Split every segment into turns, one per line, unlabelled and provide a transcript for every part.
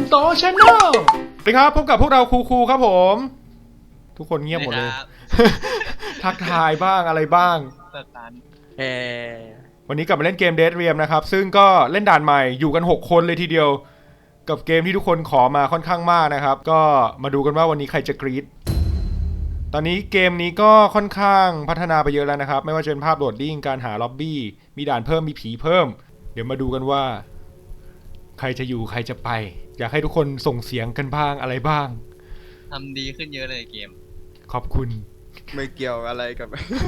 โตชาแนลสวัสดีครับพบกับพวกเราคูครับผมทุกคนเงียบหมดเลย ทักทายบ้างอะไรบ้างวันนี้กลับมาเล่นเกม Dead Realm นะครับซึ่งก็เล่นด่านใหม่อยู่กัน6คนเลยทีเดียวกับเกมที่ทุกคนขอมาค่อนข้างมากนะครับก็มาดูกันว่าวันนี้ใครจะกรี๊ดตอนนี้เกมนี้ก็ค่อนข้างพัฒนาไปเยอะแล้วนะครับไม่ว่าจะเป็นภาพโหลดดิ้งการหาล็อบบี้มีด่านเพิ่มมีผีเพิ่มเดี๋ยวมาดูกันว่าใครจะอยู่ใครจะไปอยากให้ทุกคนส่งเสียงกันบ้างอะไรบ้าง
ทำดีขึ้นเยอะเลยเกม
ขอบคุณ
ไม่เกี่ยวอะไรกับ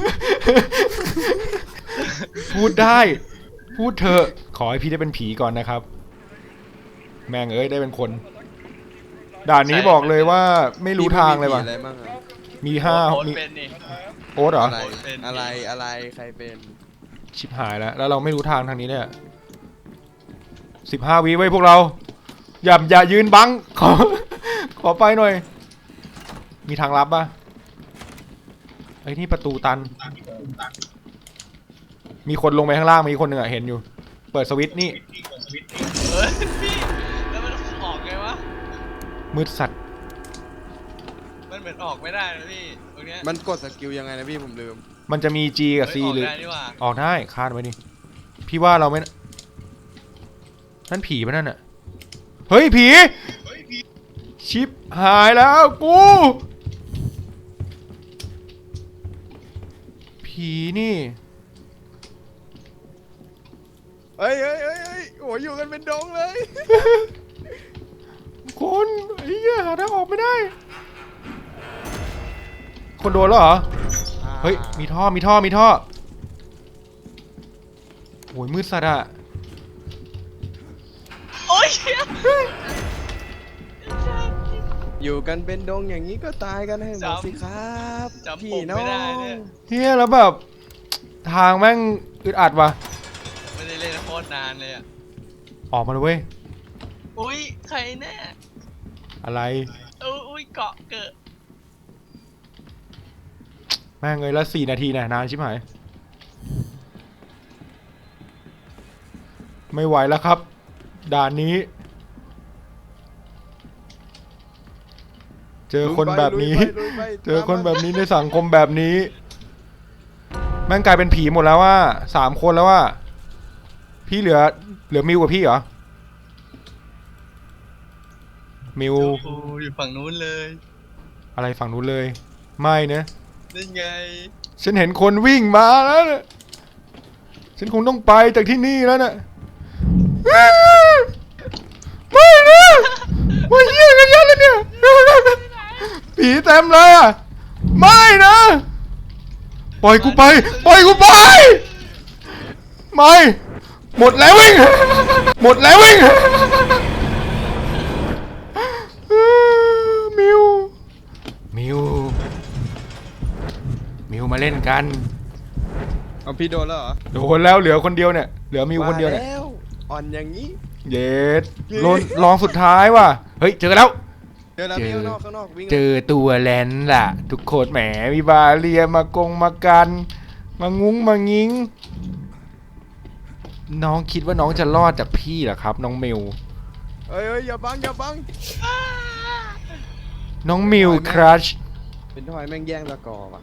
พูดได้พูดเถอะขอให้พี่ได้เป็นผีก่อนนะครับแม่งเอ้ยได้เป็นคนด่านนี้บอกเลยว่าไม่รู้ทางเลยว่ะมี5มีโอ๊ตเหรอ
อะไรใครเป็น
ชิบหายแล้วเราไม่รู้ทางทางนี้เนี่ย15 วิไว้พวกเราอย่ายืนบังขอไปหน่อยมีทางลับป่ะไอ้นี่ประตูตันมีคนลงไปข้างล่างมีคนหนึ่งอะเห็นอยู่เปิดสวิตช์นี่
พี่แล้วมันออกไงวะ
มืดสัตว์
มันเหมือนออกไม่ได้นะพี่ตรงเนี้ย
มันกดสกิลยังไงนะพี่ผมลืม
มันจะมี G กับ C หรือออกได้คาดไว้ดิพี่ว่าเราไม่นั่นผีป่ะนั่นอะเฮ้ยผีชิปหายแล้วกูผีนี่
เฮ้ยโอ้ยอยู่กันเป็นดงเลย
คนไอ้เหี้ยหาทางออกไม่ได้คนโดนแล้วเหรอเฮ้ยมีท่อโอ้ยมืดสัตว์อะ
โอ้ย
อยู่กันเป็นดงอย่างนี้ก็ตายกันให้หมดสิครับพี่น้อง
เฮียแล้วแบบทางแม่งอึดอัดว่ะ
ไม่ได้เล่นโคตรนานเลยอะ
ออกมาเลยเว้ย
อุ้ยใครแน่
อะไร
อุ้ยเกาะเกิด
แม่งเลยละ4 นาทีนะนานชิบหายไม่ไหวแล้วครับด่านนี้เจอคนแบบนี้ในสังคมแบบนี้แม่งกลายเป็นผีหมดแล้วว่า3 คนแล้วว่าพี่เหลือมิวกับพี่เหรอมิว
อยู่ฝั่งนู้นเลย
อะไรฝั่งนู้นเลยไม่นะ
นี่ไง
ฉันเห็นคนวิ่งมาแล้วนะฉันคงต้องไปจากที่นี่แล้วนะไม่นะว่าเยี่ยกันยันเลยเนี่ยผีเต็มเลยอ่ะไม่นะปล่อยกูไปไม่หมดแล้ววิ่งมิวมาเล่นกัน
เอาพี่โดนแล้วเหรอ
โดนแล้วเหลือคนเดียวเนี่ยเหลือมิวคนเดียวเนี่ย
อ่อนอย่างนี้
เย็ดลองสุดท้ายว่ะเฮ้ยเจอแล้ว
ข้างนอกวิ่ง
เจอตัวแลนล่ะทุกคนแหมมีบาเรียมากันมางุ้งมางิ้งน้องคิดว่าน้องจะรอดจากพี่เหรอครับน้องมิว
เฮ้ยอย่าบัง
น้องมิวครัช
เป็นทอยแม่งแย่งตะกอว่ะ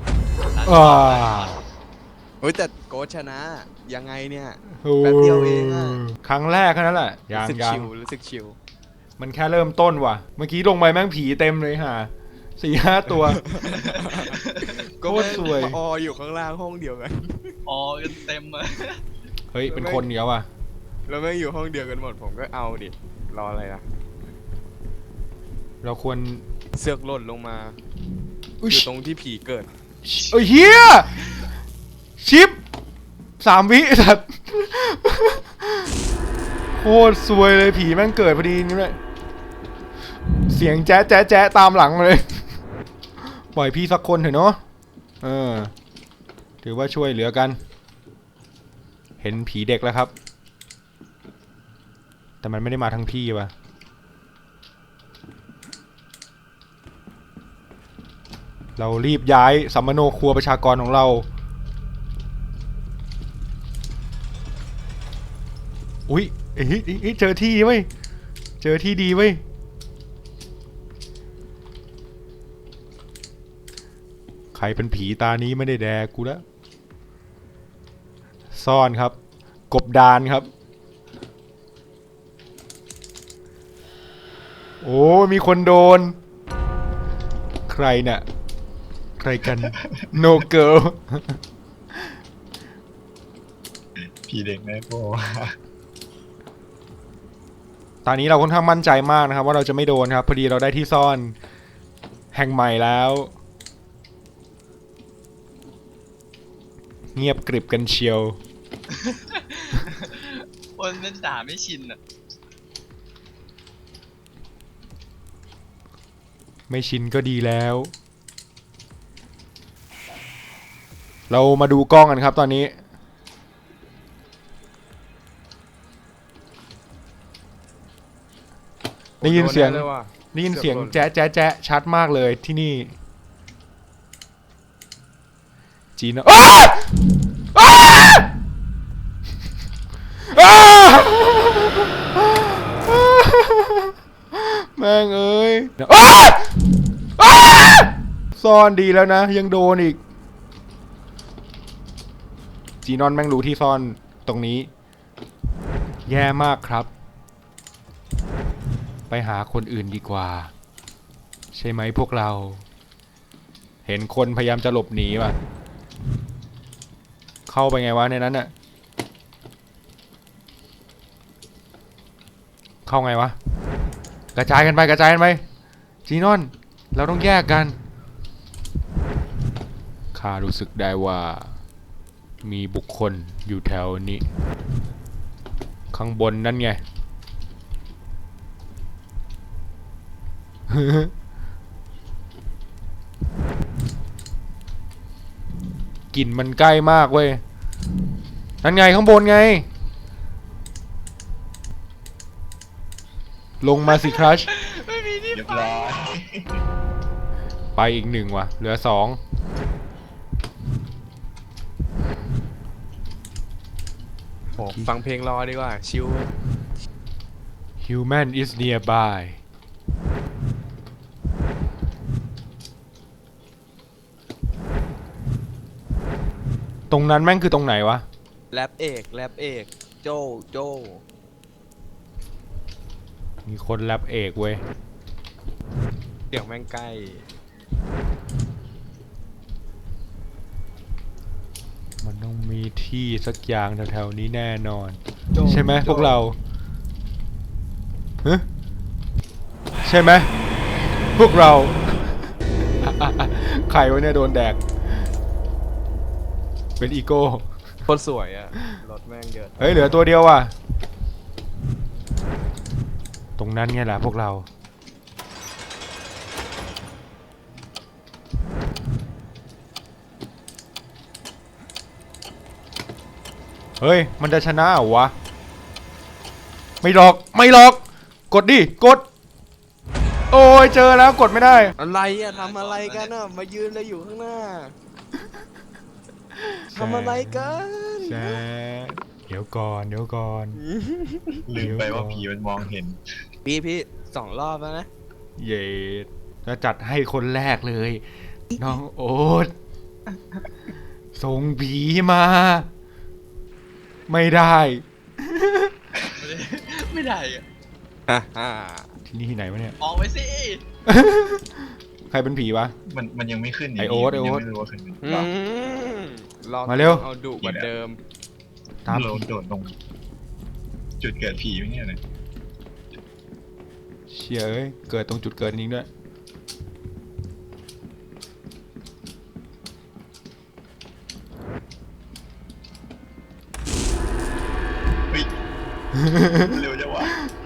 เฮ้ยแต่โกชนะยังไงเนี่ยแป๊บเดียวเองอะ
ครั้งแรกแค่นั้นแหละ
รู้สึกชิว
มันแค่เริ่มต้นว่ะเมื่อกี้ลงไปแม่งผีเต็มเลยฮะ4-5 ตัว
โคตรสวยอยู่ข้างล่างห้องเดียวกัน
กันเต็มเลย
เฮ้ยเป็นคนเดียวว่ะ
แล้วแม่งอยู่ห้องเดียวกันหมดผมก็เอาดิรออะไรล่ะ
เราควร
เสือกหล่นลงมาอยู่ตรงที่ผีเกิด
เฮียชิป3 วิสัตว์โคตรสวยเลยผีแม่งเกิดพอดีนี่แหละเสียงแจ๊ะตามหลังเลยปล่อยพี่สักคนเถอะเนาะถือว่าช่วยเหลือกันเห็นผีเด็กแล้วครับแต่มันไม่ได้มาทั้งพี่ว่ะเรารีบย้ายสัมมโนครัวประชากรของเราอุ้ยเจอที่ไหมเจอที่ดีเว้ยใครเป็นผีตานี้ไม่ได้แดกกูแล้วซ่อนครับกบดานครับโอ้มีคนโดนใครเนี่ยใครกัน no girl
ผีเด็กแม่โป้
ตอนนี้เราค่อนข้างมั่นใจมากนะครับว่าเราจะไม่โดนครับพอดีเราได้ที่ซ่อนแห่งใหม่แล้วเงียบกริบกันเชียว
คนเป็นด่าไม่ชินอ่ะ
ไม่ชินก็ดีแล้ว เรามาดูกล้องกันครับตอนนี้ได้ยินเสียง
โดนแน่เลยว่ะ
ได้ยินเสียงแจ๊ะแจ๊ะแจ๊ะชัดมากเลยที่นี่จีนอ้าอ้าอ้าแม่งเอ้ยอ้าอ้าซ่อนดีแล้วนะยังโดนอีกจีนอนแม่งรู้ที่ซ่อนตรงนี้แย่มากครับไปหาคนอื่นดีกว่าใช่ไหมพวกเราเห็นคนพยายามจะหลบหนีว่ะเข้าไปไงวะในนั้นน่ะเข้าไงวะกระจายกันไปกระจายกันไปจีนอนเราต้องแยกกันข้ารู้สึกได้ว่ามีบุคคลอยู่แถวนี้ข้างบนนั่นไง กลิ่นมันใกล้มากเว้ยนั่นไงข้างบนไงลงมาสิครัช
ไม่มีที่
เรียบ
ไป
ร้อย
ไปอีกหนึ่งว่ะเหลือ2
โอ้ฟังเพลงรอดีกว่าชิว
Human is nearby ตรงนั้นแม่งคือตรงไหนวะ
แรปเอกโจ
มีคนแรปเอกเว้ย
เสียงแม่งใกล้
มันต้องมีที่สักอย่างแถวๆนี้แน่นอน
โจ
ใช่ไหม
โจ
พวกเราฮะใช่ไหมพวกเรา ใครวะเนี่ยโดนแดก เป็นอีโก้
โคตรสวยอ่ะรถแม่งเยอะ
เฮ้ยเหลือตัวเดียวว่ะ ตรงนั้นไงล่ะพวกเรา เฮ้ยมันจะชนะเหรอวะ ไม่หลอกไม่หลอก กดดิกด โอ้ยเจอแล้วกดไม่ได้
อะไรอ่ะทำอะไรกันอ่ะมายืนเลยอยู่ข้างหน้าทำอะไรกัน
แจ๊ะเดี๋ยวก่อนเดี๋ยวก่อน
ลืมไปว่าผีมันมองเห็น
พี่2 รอบแล้วนะ
เย็ดจะจัดให้คนแรกเลย น้องโอ๊ตส่งผีมา ไม่ได้
ไม่ได้อะ
ที่นี่ที่ไหนวะเนี่ย
ออกไปสิ
ใครเป็นผีวะ
มันยังไม่ขึ้น
ไอ้โอ๊ต
มัน
ไอ้โอ๊ต
ยังไม่รู้ว่าขึ้น
อืมรอบ
มาเร็ว
เอาดุกว่าเดิม
ตาม
เรา
ผี
โดดลงจุดเกิดผีไม่เนี่ยนะ
เชี่ยเอ้ยเกิดตรงจุดเกิดจริงด้วย
เฮ้ย เร็วจังวะ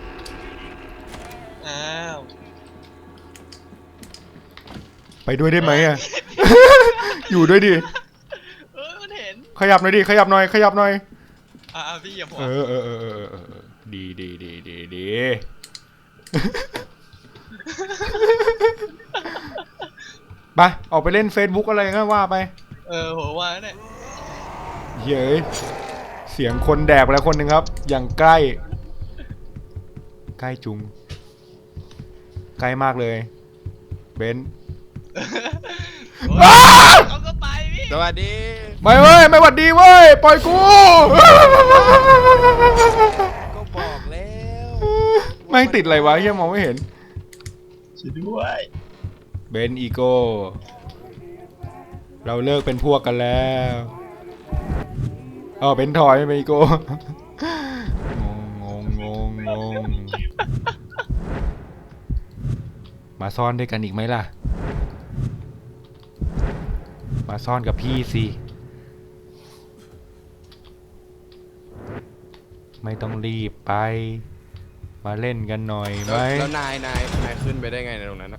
อ้าว
ไปด้วยได้ไหมอ่ะ อยู่ด้วยดิ
มันเห็น
ขยับหน่อยดิขยับหน่อยขยับหน่อย
พี่อย่าบอก
เออดีดี ไปออกไปเล่น Facebook อะไรก็ว่าไป
ผมว่าเนี่ย
เย้ยเสียงคนแดกไปแล้วคนหนึ่งครับ อย่างใกล้ ใกล้จุงกลมากเลยเบนซ์
โอ้ยเขาก็ไปพี่
สวัสดี
ไม่เว้ยไม่หวัดดีเว้ยปล่อยกู
ก็บอกแล้ว
แม่งติดอะไรวะเฮียมองไม่เห็น
ช่วยด้วย
เบนซ์อีโก้เราเลิกเป็นพวกกันแล้วอ๋อเบนซ์ทอยไม่เป็นอีโก้งงมาซ่อนด้วยกันอีกไหมล่ะมาซ่อนกับพี่สิไม่ต้องรีบไปมาเล่นกันหน่อยไหม
แล้วนายขึ้นไปได้ไงในตรงนั้นนะ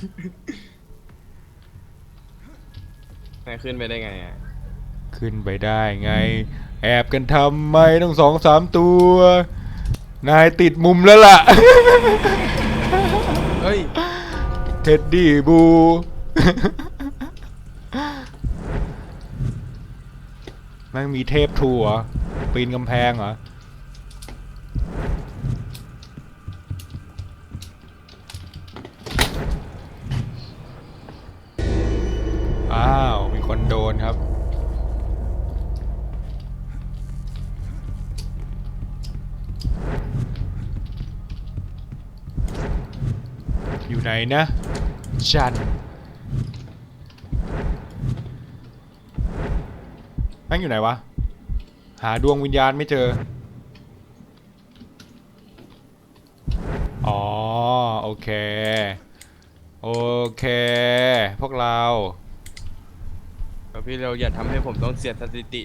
นายขึ้นไปได้ไงอ่ะ
ขึ้นไปได้ไงแอบกันทำไมต้อง2-3 ตัวนายติดมุมแล้วล่ะ
เฮ้ย
เท็ดดี้บู แม่งมีเทพทัวร์ปีนกำแพงเหรออ้าวมีคนโดนครับอยู่ไหนนะจันแม่งอยู่ไหนวะหาดวงวิญญาณไม่เจออ๋อโอเคโอเคพวกเรา
พี่เราอย่าทำให้ผมต้องเสียสถิติ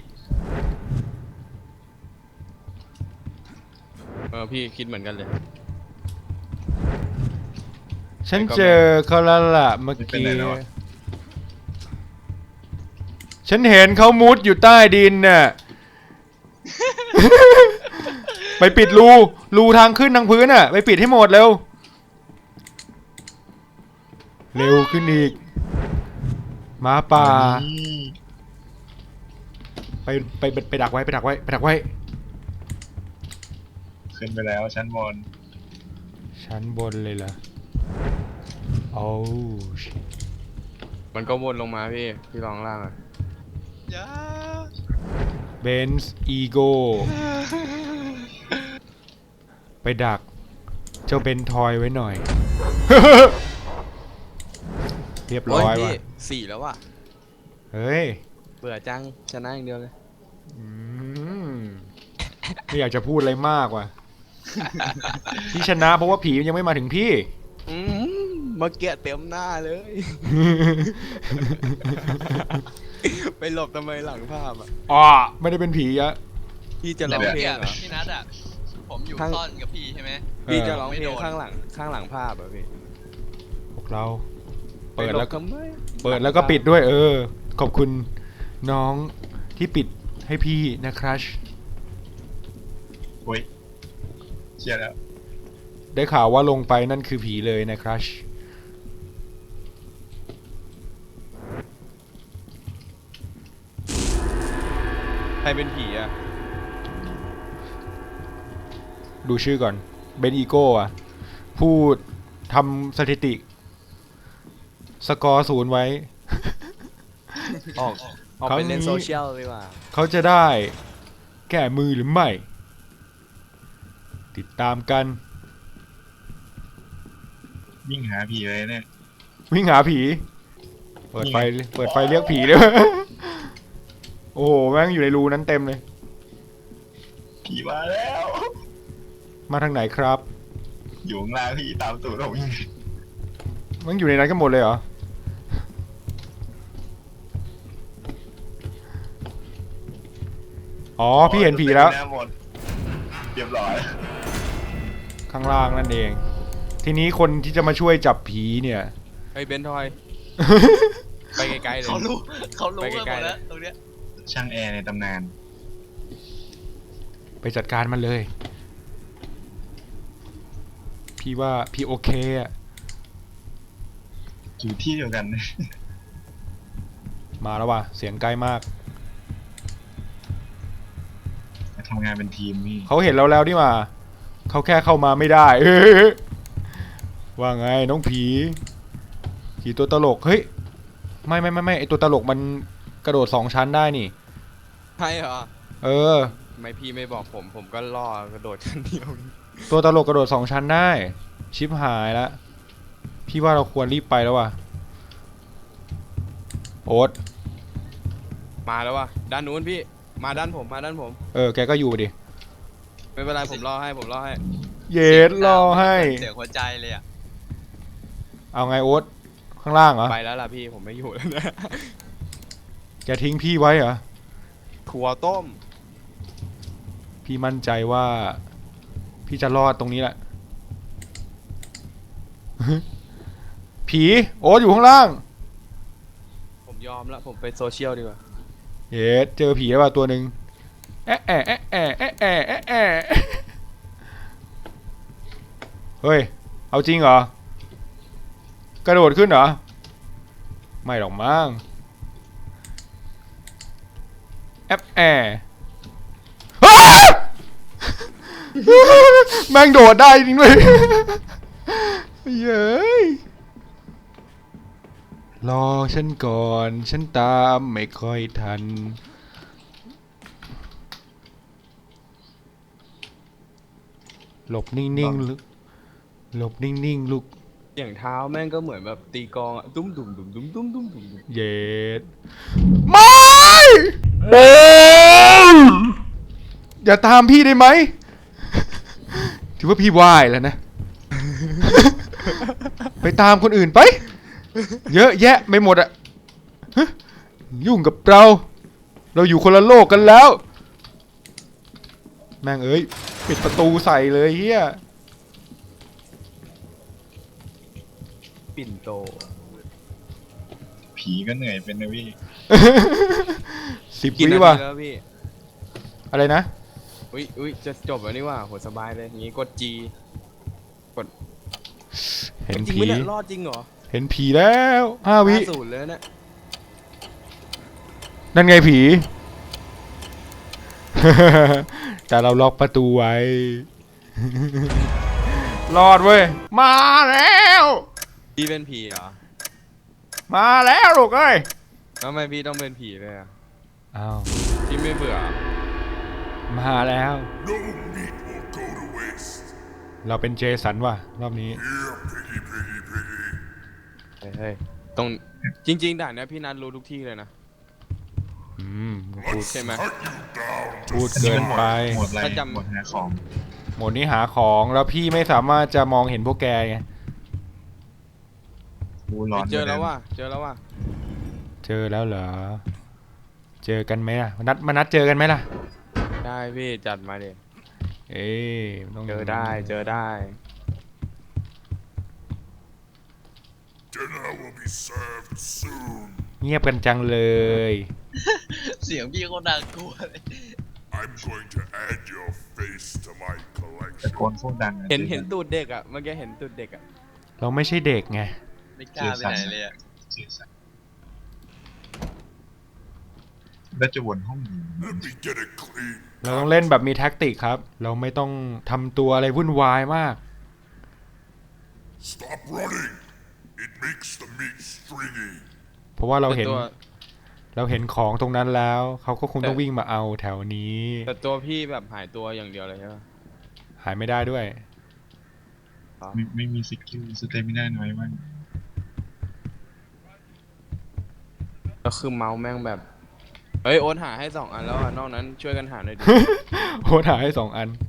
พี่คิดเหมือนกันเลย
ฉันเจอเขาแล้วล่ะเมื่อ
เป็น
กี้
ไรแล้วอะ
ฉันเห็นเขามุดอยู่ใต้ดินน่ะ ไปปิดรูทางขึ้นทางพื้นน่ะไปปิดให้หมดเร็วเร็วขึ้นอีกหมาป่าไปดักไว้ไปดักไว้
ขึ้นไปแล้วชั้นบน
ชั้นบนเลยเหรอโอ้
มันก็วนลงมาพี่ลองล่างอ่ะ
อย่า
เบนซ์อีโก้ไปดักเจ้าเบนทอยไว้หน่อย เรียบร้อย
พี่
ว่ะ
4แล้วว่ะ
เฮ้ย
เบื่อจังชนะอย่างเดียวเลย
อืมไม่อยากจะพูดอะไรมากว่ะ ที่ชนะเพราะว่าผีมันยังไม่มาถึงพี่
เมื่อกี้เต็มหน้าเลย ไปหลบทำไมหลังภาพอ่ะ
อ๋อไม่ได้เป็นผีอะ
พี่จะร้อง
เมื่อ
เพล
กี้
งเหรอ
พี่นัทอ่ะผมอยู่
ทั้ง
ซ่อนกับพี่ใช่ไหม
พี่จะร้อง
ไม่
เพล
โด
ง
น
ข้างหลังภาพเหรอพี่
พวกเรา เปิดแล้ว
ไปหบทำไม
เปิดแล้วก็ปิดด้วยขอบคุณน้องที่ปิดให้พี่นะครัช
โอ้ยเชียร์แล้ว
ได้ข่าวว่าลงไปนั่นคือผีเลยนะครัช
ใครเป็นผีอ่ะ
ดูชื่อก่อนเบนอีโก้อะผู้ทำสถิติ สกอร์0ไว้
ออกไปเล่นโซเชียลดีกว่า
เขาจะได้แก้มือหรือไม่ ติดตามกัน
วิ่งหาผีเลยเนี่ย
วิ่งหาผี เปิดไฟเรียกผีเลย โอ้โหแม่งอยู่ในรูนั้นเต็มเลย
ผีมาแล้ว
มาทางไหนครับ
อยู่ข้างล่างพี่ตามตูดผม
แม่งอยู่ในนั้นกันหมดเลยเหรอ อ๋อพี่เห็นผีแล้ว
หน้าหมดเรียบร้อย
ข้างล่างนั่นเอง ทีนี้คนที่จะมาช่วยจับผีเนี่ย
เฮ้ยเบนทอย ไปไกลๆเลย
เขารู้
ไป
กันห
ไกล
มด
ๆ
แล้วตรงเนี้ย
ช่างแอร์ในตำนาน
ไปจัดการมันเลย พี่ว่าพี่โอเคอะ
อยู่ที่เดียวกัน
มาแล้วว่ะ เสียงใกล้มาก
มาทำงานเป็นทีมพี่
เขาเห็นเราแล้วนี่หว่าเขาแค่เข้ามาไม่ได้ว่าไงน้องผีผีตัวตลกเฮ้ยไม่ไอตัวตลกมันกระโดด2 ชั้นได้นี่
ใช่เหรอ
เออ
ไม่พี่ไม่บอกผมก็ล่อกระโดดชั้นเดียว
ตัวตลกกระโดด2 ชั้นได้ชิปหายแล้วพี่ว่าเราควรรีบไปแล้วว่ะโอ๊ต
มาแล้ววะด้านนู้นพี่มาด้านผม
แกก็อยู่ดิ
ไม่เป็นไรผมรอให้
เย็ดรอให้
เสียงหัวใจเลยอ่ะ
เอาไงโอ๊ตข้างล่างเหรอ
ไปแล้วล่ะพี่ผมไม่อยู่แล้วนะ
แกทิ้งพี่ไว้เหรอ
ถั่วต้ม
พี่มั่นใจว่าพี่จะรอดตรงนี้แหละ ผีโอ๊ตอยู่ข้างล่าง
ผมยอมแล้วผมไปโซเชียลดีกว่า
เย็ดเจอผีแล้วว่ะตัวหนึ่งแอะแอะแอะแอะแอะแอะแอะแอะเฮ้ยเอาจริงเหรอกระโดดขึ้นเหรอไม่หรอกมั้งแอะแอะอ้า แม่งโดดได้จริงด้วย เย้ยรอฉันก่อนฉันตามไม่ค่อยทันหลบนิ่งๆลูกหลบนิ่งๆลูก
เสียงเท้าแม่งก็เหมือนแบบตีกลองอะตุ้มดุ่มดุ่มดุ่มดุ่มดุ่มดุ่ม
เย็ดไม่อย่าตามพี่ได้ไหม ถือว่าพี่ไหว้แล้วนะ ไปตามคนอื่นไป เยอะแยะไม่หมดอะฮะยุ่งกับเราอยู่คนละโลกกันแล้ว แม่งเอ้ยปิดประตูใส่เลยเฮีย
ปิ่นโต
ผีก็เหนื่อยเป็นนะพี่
10
กี่
วิ
นาที
ว่ะ
แล้วพี่
อะไรนะ
อุ้ยจะจบแล้วนี่ว่าโหสบายเลยอย่างงี้กด G
เห็น
จริง
ผี
ไหมเนี่ยรอดจริงเหรอ
เห็นผีแล้ว5 วิ
50เลยนะ
นั่นไงผี แต่เราล็อกประตูไว้ รอดเว้ย มาแล้ว
พี่เป็นผีเหรอ
มาแล้วลูกเอ้ย
ทำไมพี่ต้องเป็นผีเลยอะ
อ้าว
พี่ไม่เบื่อ
มาแล้ว
No meat will go to waste.
เราเป็นเจสันว่ะ รอบนี้
Here, piggy, piggy, piggy.
เฮ้ยตรงจริงๆด่านเนี้ยพี่นัทรู้ทุกที่เลยนะ
พูด
ใช่ไหม
Cut you down
พูด
อันนี้
เกิ
มัน นหมด
ไป
หมดอะไร
ถ้าจำ
หมดหาของ
หมดนี้หาของแล้วพี่ไม่สามารถจะมองเห็นพวกแกไง
กูร้อน
เจอแล้วว่ะ
เจอแล้วเหรอ เจอกันไหมล่ะมานัดเจอกันไหมล่ะ
ได้พี่จัดมาดิ
เอ้ยต้อง
เจอได้
Dinner will be served soon.
เงียบกันจังเลย
เสียงพี่เขาน่ากลัวเลย
I'm going to add your face to my
ตะโก
collection.
นโคตรดังอะ
เห็นตูดเด็กอ่ะเมื่อกี้เห็นตูดเด็กอ่ะ
เราไม่ใช่เด็กไง
ไม่กล้าไปไหนเลยอ่ะ
เสียสัตว์แล้วจะวนห้องนี้
Let me get it clean.
เราต้องเล่นแบบมีแท็กติกครับ เราไม่ต้องทำตัวอะไรวุ่นวายมาก
Stop running. It makes the meat stringy.
เพราะว่าเราเห็น
แต่ตัว
เราเห็นของตรงนั้นแล้ว เขาก็คงต้องวิ่งมาเอาแถวนี้
แต่ตัวพี่แบบหายตัวอย่างเดียวเลยใช่ปะ
หายไม่ได้ด้วย
ไม่มีสกิลสเตมิน่าน้อยมาก
ก็คือเมาส์แม่งแบบเฮ้ยโอนหาให้2 อันแล้วอ่ะนอกนั้นช่วยกันหาหน่อยดิ
โหหายให้2 อัน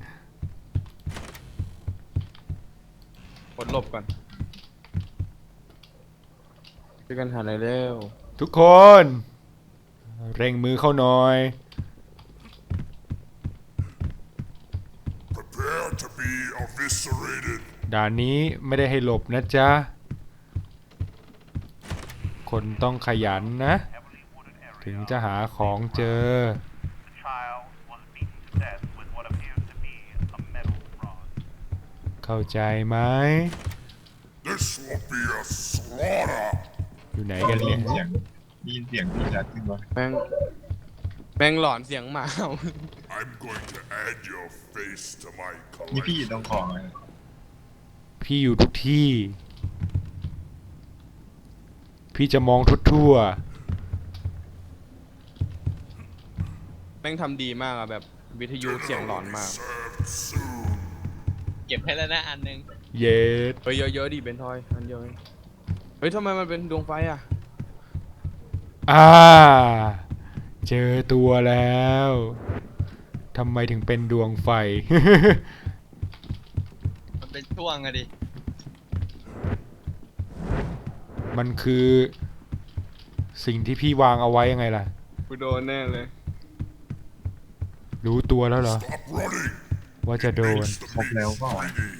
กดหลบก่อนช่วยกันหาหน่อยเร็ว
ทุกคน เร่งมือเข้าหน่อย
Prepare to be eviscerated.
ด่านนี้ไม่ได้ให้หลบนะจ๊ะ คนต้องขยันนะ ถึงจะหาของเจอ
The child was beaten to death with what appears to be a metal rod.
เข้าใจไหม
This will be a slaughter.
อยู่ไหน
ได้
กัน
ยิ
เนี่ย
นเสียงพี่ชัดขึ้นวะ
แม่งหลอนเสียงหมาเห่า
I'm going to add your face to my
นี่พี่
collection.
ต้องของอะไร
ผีพี่อยู่ทุกที่ พี่จะมองทั่ว
แม่งทำดีมากอะแบบวิทยุเสียงหลอนมาก
เก็บให้แล้วนะอันหนึง
ๆ เย็ด
เฮ้ยเยอะๆดิเบนทอยอันเดียวเองเฮ้ยทำไมมันเป็นดวงไฟอะ
เจอตัวแล้วทำไมถึงเป็นดวงไฟ
มันเป็นช่วงอะดิ
มันคือสิ่งที่พี่วางเอาไว้ยังไงล่ะ
กูโดนแน่เลย
รู้ตัวแล้วเหรอ
Stop running.
ว่าจะโดน
ครบแล้วก็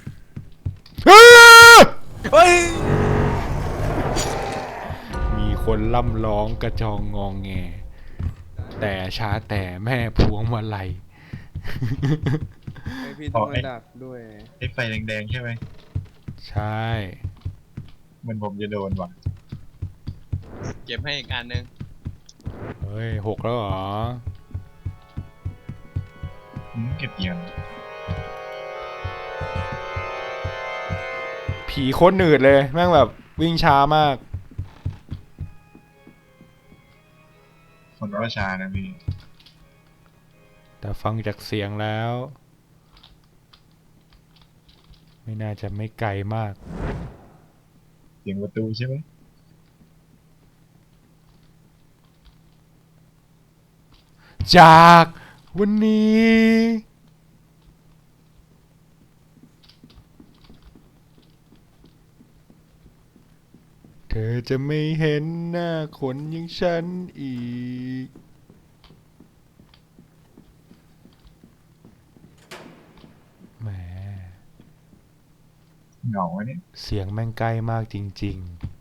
เฮ้ย
มีคนล่ำร้องกระจองงองแง แต่ช้าแต่แม่พวงมาลัย
ไอพี่ต้องมาดักด้วย
ไอ้ไฟแดงๆใช่ไหม
ใช่
มันผมจะโดนว่ะ
เก็บให้อีกอันหนึง
เฮ้ย6แล้วเหรอ
เก็บเงิน
ผีโคตรหนืดเลย แม่งแบบวิ่งช้ามาก
คนว่าชานะพี่
แต่ฟังจากเสียงแล้ว ไม่น่าจะไม่ไกลมาก
เสียงประตูใช่ไหม
จากวันนี้ เธอจะไม่เห็นหน้าคนอย่างฉันอีก แหม
เหงาเนี่ย
เสียงแม่งใกล้มากจริง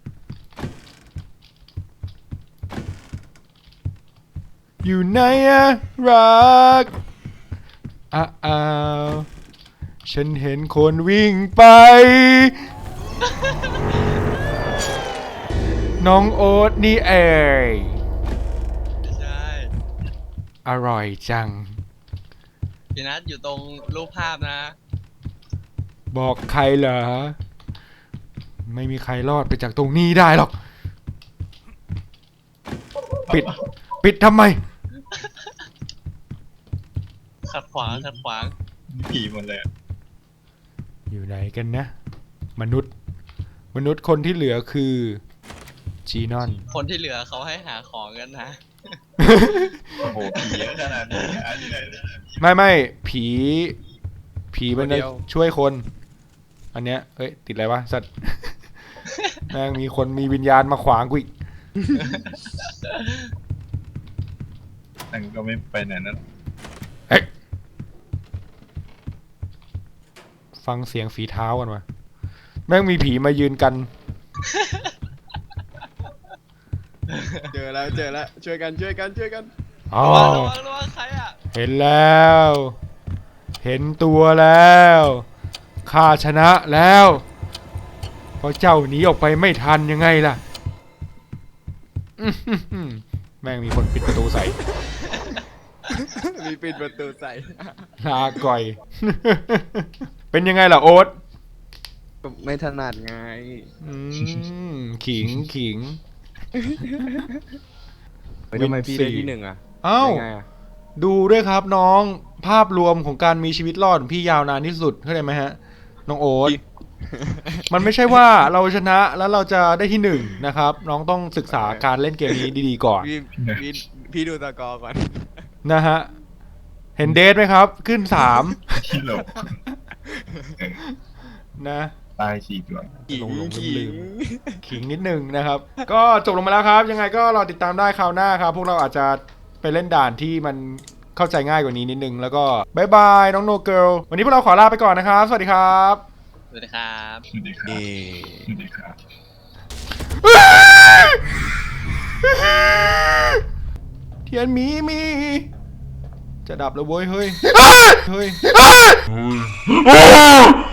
ๆ อยู่ไหนอะรักอ้าวฉันเห็นคนวิ่งไป น้องโอ๊ตนี่เอง
ไม่ใช่
อร่อยจัง
พี่นัทอยู่ตรงรูปภาพนะ
บอกใครเหรอ ไม่มีใครรอดไปจากตรงนี้ได้หรอก ปิดทำไม
ขัดขวางขัดขวาง
ผีหมดเลยอะ
อยู่ไหนกันนะ มนุษย์คนที่เหลือคือจีนอน
คนที่เหลือเขาให้หาของกันนะ
โอ้โหผีเยอะขนาดนี้อันนี้เลย
ไม่ผีมันจะช่วยคน อันเนี้ยเฮ้ยติดอะไรวะสัตว์ แม่งมีคนมีวิญญาณมาขวางกูอีก
นั่นก็ไม่ไปไหนนั่น
เฮ้ยฟังเสียงฝีเท้ากันวะแม่งมีผีมายืนกัน
เจอแล้วช่วยกัน
อ๋อ
ระวังใครอ่ะ
เห็นแล้ว เห็นตัวแล้วข้าชนะแล้วเพราะเจ้าหนีออกไปไม่ทันยังไงล่ะ อื้อหือแม่งมีคนปิดประตูใส่
มีปิดประตูใส่
ลาก่อย เป็นยังไงล่ะโอ๊ต
ไม่ถนัดไง
อืมขิง
เฮ้ยทำไมพี่ได้ที่หนึ่งอะ
เอ้า
ได้ไงอะ
ดูด้วยครับน้องภาพรวมของการมีชีวิตรอดของพี่ยาวนานที่สุดเข้าใจไหมฮะ น้องโอ๊ต มันไม่ใช่ว่าเราชนะแล้วเราจะได้ที่หนึ่งนะครับ น้องต้องศึกษาการเล่นเกมนี้ดีๆก่อน
พี่ดูตะกอร์ก่อน
นะฮะ เห็นเดทไหมครับ ขึ้น
ที่หลบ
3 นะ
ตาย4 ตัว
หลงลืม ขิงนิดนึงนะครับ ก็จบลงมาแล้วครับ ยังไงก็รอติดตามได้คราวหน้าครับ พวกเราอาจจะไปเล่นด่านที่มันเข้าใจง่ายกว่านี้นิดนึง แล้วก็บายบายน้องโนเกิลวันนี้พวกเราขอลาไปก่อนนะครับ สวัสดีครับ
สวัสดีครับ
สวัสดีครับสวัสดีครับ
เทียนมี จะดับแล้วเว้ยเฮ้ย เฮ้ย